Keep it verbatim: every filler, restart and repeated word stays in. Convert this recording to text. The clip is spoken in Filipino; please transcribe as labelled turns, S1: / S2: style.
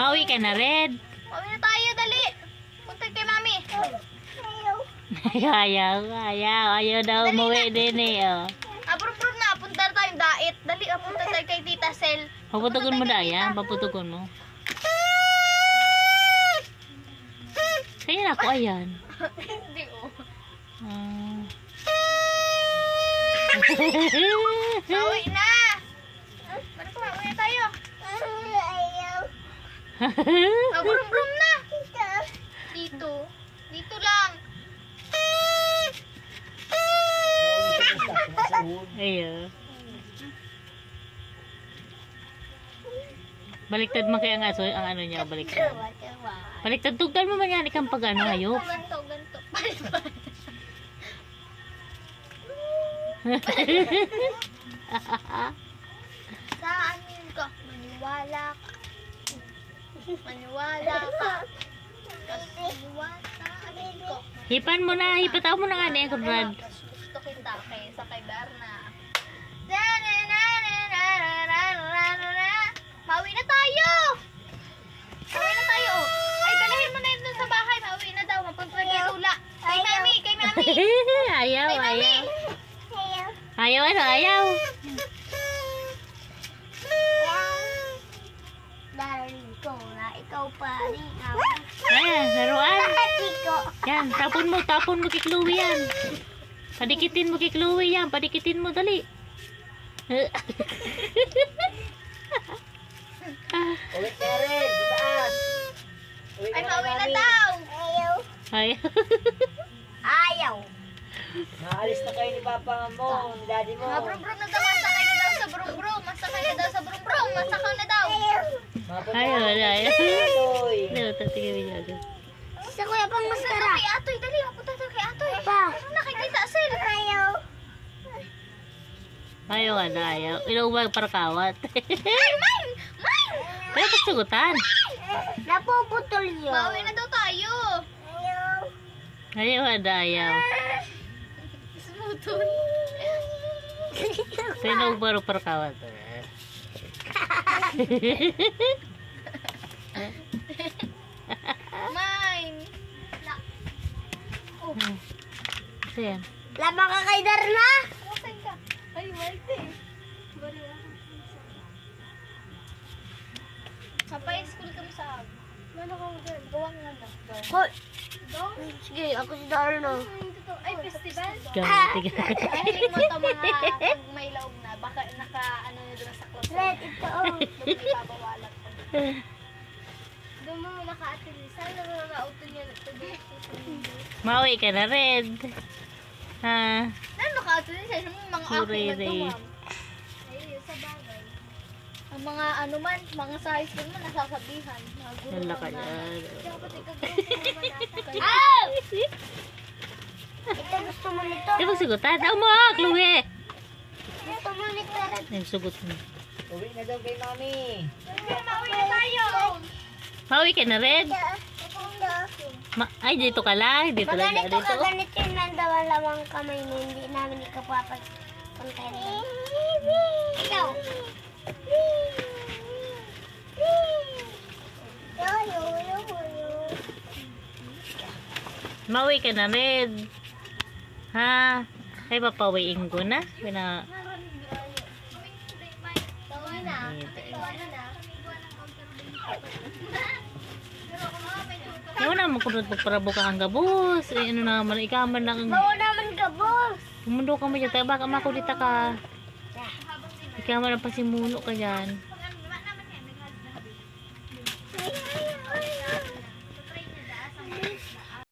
S1: Pauwi ka na, Red.
S2: Pauwi na tayo, dali. Punta kay mami.
S1: Ayaw, ayaw. Ayaw daw
S2: Dali
S1: umuwi din eh. Oh.
S2: Abro-bro na, punta na tayong dait. Dali, ah, punta tayo kay Tita Sel.
S1: Paputugon mo na yan. Paputugon mo. Kaya na ako, ayan.
S2: Hindi, oh.
S1: Ah.
S2: Pauwi na. Balik ko, pauwi na tayo. Abro-bro na. Dito. Dito lang.
S1: Ayaw. Baliktad man kaya ang aso, ang ano niya, baliktad. Baliktad, tugtan mo man yan, ikang pag ano, hayop.
S2: Ganto, ganto. Balik-balik. Saan yun ka? Maniwala ka. Maniwala ka. Maniwala ka.
S1: Hipan mo na, hipataw mo na nga na yan, Conrad.
S2: Gusto kita kaysa kay Berna. Mauwi na tayo! Mauwi na tayo! Ay, dalahin mo na yun dun sa bahay. Mauwi na daw. Mapunta kay Lula. Kay Mami! Kay Mami!
S1: Ayaw,
S2: Kay Mami!
S1: ayaw. Ayaw, ano, ayaw.
S2: Darling ko na ikaw pa rin ako.
S1: Ayan, laruan.
S2: Ko.
S1: Yan, tapon mo, tapon mo kay Chloe yan. Padikitin mo kay Chloe yan, padikitin mo, dali.
S3: Ulit ka rin, sa taas. Uwi
S2: Ay,
S3: ka
S2: mauwi na
S3: mami.
S2: daw! Ayaw.
S1: Ayaw.
S2: Ayaw.
S3: Maalis na kayo ni Papa mo, ni Daddy mo.
S2: Mga brum-brum na daw. Masakay na daw sa brum-brum. Masakay na daw sa brum-brum. Masakay na daw.
S3: Mapunta
S1: Ayaw,
S3: ka
S1: ayaw, ayaw.
S3: Atoy.
S1: Hindi, tatigil mo dyan.
S2: Sa kuya pang masara. Kay Atoy, dali. Mapunta tayo kay Atoy. Pa. Ano nakikita sila? Ayaw.
S1: Ayaw, ano, ayaw. Ilang para kawat.
S2: Ay, mine! Mine!
S1: Pero pagsagutan.
S2: Napuputol yun. Bawi na daw tayo. Ayaw.
S1: Ayaw, ano, ayaw.
S2: Smoothon.
S1: Sino baro para kawat?
S2: Mine. Oh.
S1: Kasi yan.
S2: Lama ka kay Darna? Okay ka. Ay, Marte. Bari ako. Kapay school kami sa ag. Ano ka mo dyan? Gawang nga na. Hoy! Sige, ako si Darna. Ay, festival?
S1: Gamit.
S2: Ay, mo ito mga pag may laog na. Baka naka, ano na doon sa closet. Red, ito. Doon ibabawalan ko. Doon mo naka-atilisan. Doon mo na-auto niya.
S1: Mauwi ka na, Red. Ha?
S2: Ano naka-atilisan? Yung mga ako
S1: Ray,
S2: na
S1: Ray.
S2: duwam. Ay, sa bagay. Ang mga ano man, mga sa high school man, nasasabihan. Mga guro
S1: Wala ka
S2: na.
S1: yan.
S2: Kaya pati kagrupo mo man. Ah! Ito gusto mo nito.
S1: Di ba sagutan? Daw mo, Chloe!
S2: Gusto mo nito.
S1: Ay, sugot mo.
S3: Uwi na daw kay Mami.
S2: Mauwi na tayo.
S1: Mauwi ka na, Red? Ma ay, dito ka lang. Dito lang.
S2: Maganito
S1: Dito.
S2: ka, ganito yung nandawalawang kamay mo. Hindi namin ikapapag kontento. Ikaw.
S1: Mauwi ka na, Red. Ha? Ay, papawiin ko na. Pina...
S2: Tawin na.
S1: Yaw na, makunod pagparabo ka ang gabos. Eh, ano naman, ikaman lang.
S2: Bawa naman ka, boss.
S1: Umundo ka mo dyan. Tayo, baka makulita ka. Ikaman ang pasimuno ka dyan.